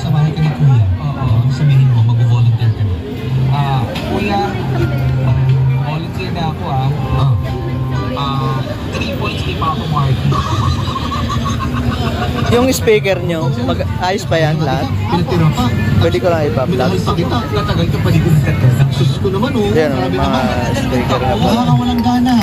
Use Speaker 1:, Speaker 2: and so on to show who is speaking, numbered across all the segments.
Speaker 1: sa bahay ka ni Kuya. Sabihin mo, mag-volunteer ka na.
Speaker 2: Kuya, volunteer na ako 3 points kay Papa Marky.
Speaker 3: Yung speaker nyo, ayos pa yan lahat?
Speaker 1: Pinatira pa.
Speaker 3: Pwede ko lang ipa-vlog.
Speaker 1: Pinakit pa kita.
Speaker 2: Tatagal ka pa dito sa tagal.
Speaker 1: Sus ko naman
Speaker 3: Yan,
Speaker 1: Grabe
Speaker 3: mga
Speaker 1: naman.
Speaker 3: speaker na po.
Speaker 1: Wala kang walang gana.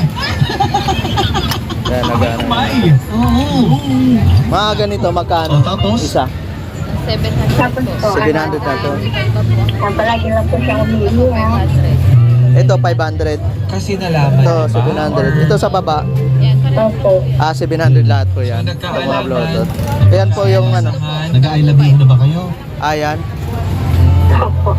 Speaker 3: Yan, nagana.
Speaker 1: Oo.
Speaker 3: Mga ganito, magkano?
Speaker 1: O, tapos?
Speaker 3: Isa.
Speaker 4: 700 po.
Speaker 3: 700 na to.
Speaker 4: Palagi lang po siya umili.
Speaker 3: Ito, 500.
Speaker 2: Kasi nalaman.
Speaker 3: Ito, 700. Ito sa baba.
Speaker 4: Opo.
Speaker 3: 700 lahat po yan.
Speaker 2: So,
Speaker 3: Ito mga
Speaker 2: nagkaalaman.
Speaker 3: bluetooth. Ayan po yung ano.
Speaker 1: Nag-I love you na ba kayo?
Speaker 3: Ayan.
Speaker 4: Opo.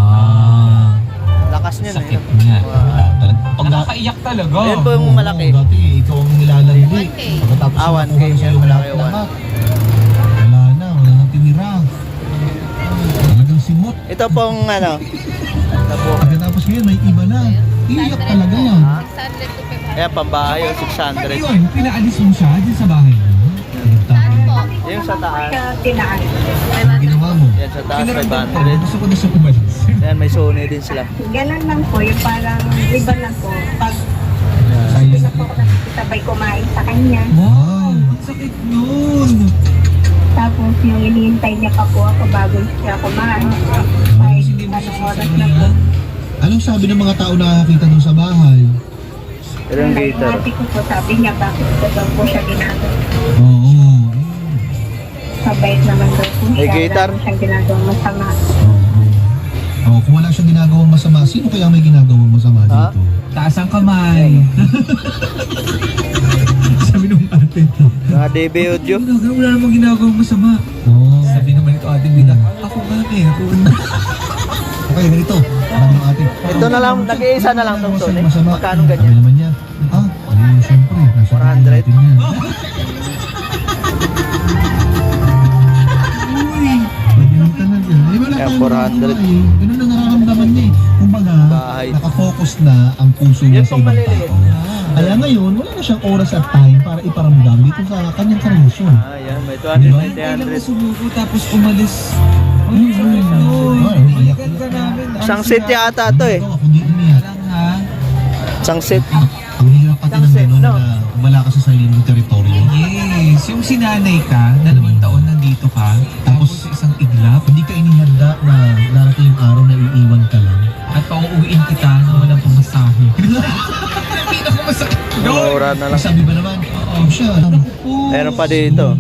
Speaker 3: Lakas nyo na
Speaker 1: Sakit
Speaker 3: yun.
Speaker 1: nga.
Speaker 2: Pag nakaiyak talaga.
Speaker 3: Ayan po yung malaki.
Speaker 1: Dati, ikaw ang nilalandi. Pagkatapos
Speaker 3: 1K
Speaker 1: nakuha sa'yo
Speaker 3: yung malaki,
Speaker 1: lahat. Wala na, wala nang tinira. Talagang simot.
Speaker 3: Ito pong ano. Ito po.
Speaker 1: Pagkatapos ngayon, may iba na. Iiyak talaga yan.
Speaker 3: Ayan, pambahay yung
Speaker 2: Paano
Speaker 3: 600.
Speaker 2: yun? Pinaalis mo siya dyan sa bahay mo?
Speaker 3: Yung sa taas.
Speaker 4: Siya tinaas.
Speaker 1: Ang ginawa mo.
Speaker 3: Yan sa taas,
Speaker 2: Pinaramdam ko.
Speaker 3: 500.
Speaker 2: Gusto ko na siya umalis.
Speaker 3: Ayan, may Sony din sila.
Speaker 4: Ganun lang po. Yung parang iba lang po. Pag
Speaker 1: Silent.
Speaker 4: gusto po ko nakikisabay kumain sa kanya.
Speaker 2: Wow! Ang sakit nun!
Speaker 4: Tapos yung inihintay niya pa po ako bago siya kumain. Kahit anong oras na po.
Speaker 1: Anong sabi ng mga tao na nakakita doon sa bahay?
Speaker 3: Ito yung gator.
Speaker 4: Ate ko po sabi niya bakit ko daw po siya ginagawa.
Speaker 1: Oo.
Speaker 4: Mabait naman daw po
Speaker 3: May
Speaker 4: siya.
Speaker 3: guitar?
Speaker 4: Wala siyang ginagawang masama.
Speaker 1: Oh, kung wala siyang ginagawang masama, sino kaya may ginagawang masama
Speaker 3: Ha?
Speaker 1: dito?
Speaker 2: Taas ang kamay. Sabi nung ate.
Speaker 3: Mga DB audio.
Speaker 2: Wala namang ginagawang masama.
Speaker 1: Oo.
Speaker 2: Sabi naman ito ate Bida. Ako nga meron.
Speaker 1: Okay, ganito. Alam mo ate.
Speaker 3: Ito na lang, nag-iisa na lang itong Sony.
Speaker 1: Masama.
Speaker 3: Magkano
Speaker 1: Sabi
Speaker 3: ganyan?
Speaker 1: naman niya. Siyempre. Nasa
Speaker 3: 400.
Speaker 1: natin yan. Ganyan talaga. Wala
Speaker 3: Kaya
Speaker 1: tayong
Speaker 3: 400.
Speaker 1: magawa eh. Ganun ang nararamdaman niya eh. Kumbaga,
Speaker 3: Bahay.
Speaker 1: nakafocus na ang puso niya
Speaker 3: Yan
Speaker 1: sa
Speaker 3: pong
Speaker 1: ibang
Speaker 3: maliliit.
Speaker 1: tao. Kaya ngayon, wala na siyang oras at time para iparamdam dito sa kanyang karelasyon.
Speaker 3: Ayan, may
Speaker 1: Diba?
Speaker 3: 200, may
Speaker 2: Kailan
Speaker 3: 300.
Speaker 2: sumuko tapos umalis. Ay, sakit nun.
Speaker 1: Ay, umiiyak
Speaker 2: Balikan ka namin.
Speaker 3: Isang set yata to eh.
Speaker 1: Ako di umiyak.
Speaker 2: Lang ha.
Speaker 3: Isang set.
Speaker 1: Ang hirap pati ng
Speaker 3: Isang set,
Speaker 1: gano'n
Speaker 3: no?
Speaker 1: na wala ka sa sarili mong teritoryo.
Speaker 2: Yes. Yung sinanay ka, 2 taon nandito ka, tapos sa isang iglap,
Speaker 1: Hindi ka inihanda na darating yung araw na iiwan ka lang.
Speaker 2: at pauuwiin kita na walang pamasahe. Pinakamasakit.
Speaker 3: Mura na lang.
Speaker 1: Sabi ba naman? Oo siya.
Speaker 3: Meron pa dito.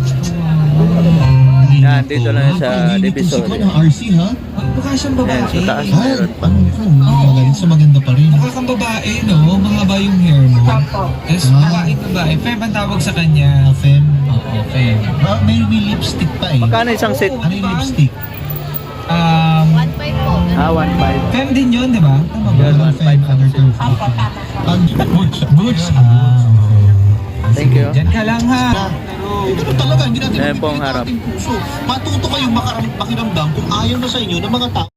Speaker 3: Yan, dito lang yan sa Divisoria.
Speaker 1: Divisoria. Ng RC ha?
Speaker 2: Mukha siyang babae.
Speaker 3: Yan, sa taas.
Speaker 1: Ha?
Speaker 3: Meron pa.
Speaker 1: Magaling sa maganda pa rin.
Speaker 2: Mukha kang babae, no? Mahaba yung hair mo.
Speaker 4: Opo.
Speaker 2: Tapos babae. Fem ang tawag sa kanya.
Speaker 1: Fem.
Speaker 2: Oo, Fem.
Speaker 1: May lipstick pa eh.
Speaker 3: Magkano isang set?
Speaker 1: Ano yung lipstick?
Speaker 3: 1.5.
Speaker 2: Fem din yun, di ba? Tama ba?
Speaker 3: Yan, 1.5
Speaker 1: Other term.
Speaker 4: Opo, tama po.
Speaker 1: Butch. Butch.
Speaker 3: Thank you.
Speaker 2: Diyan ka lang ha.
Speaker 1: Ganun talaga, hindi natin
Speaker 3: Ayan po ang
Speaker 1: mapipilitan
Speaker 3: harap.
Speaker 1: ating puso. Matuto kayong makiramdam kung ayaw na sa inyo ng mga tao.